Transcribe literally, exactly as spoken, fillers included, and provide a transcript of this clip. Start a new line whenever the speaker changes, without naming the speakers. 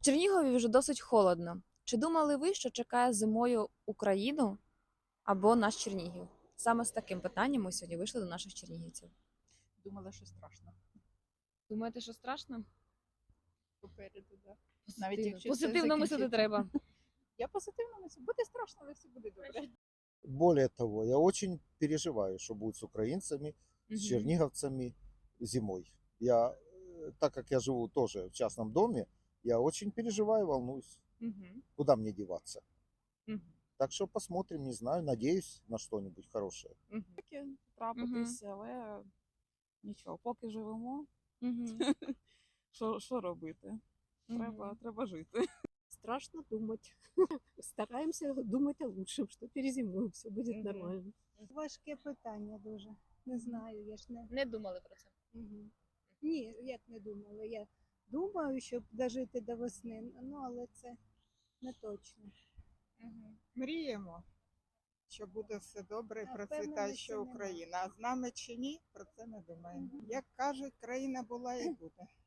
Чернігові вже досить холодно. Чи думали ви, що чекає зимою Україну або наш Чернігів? Саме з таким питанням ми сьогодні вийшли до наших чернігівців.
Думала, що страшно.
Думаєте, що страшно?
Попереду, да.
Навіть
якщо
якщо
все
позитивно мислити
закінчиться.
треба.
Я позитивно мислю. Буде страшно, але все буде добре.
Более того, я очень переживаю, что будет с украинцами,
Мгм.
с черниговцами зимой. Я, э, так как я живу тоже в частном доме, я очень переживаю, волнуюсь,
Мгм.
куда мне деваться.
Мгм.
Так что посмотрим, не знаю, надеюсь на что-нибудь хорошее.
Мгм.
Таке трапитись, але нічого, поки живемо,
Мгм.
що, що робити? Треба,
Мгм.
треба жити.
Страшно думать. Стараемся думать о лучшем, что перезимуем, все будет
Мгм.
нормально.
Важке питання дуже. Не знаю, я ж не.
Не думали про це.
Мгм. Ні, як не думала. Я думаю, щоб дожити до весни, ну але це не точно.
Мріємо, що буде все добре і
А
процвітаюча
впевненості нема.
Україна. А з нами чи ні, про це не думаємо. Як кажуть, країна була і буде.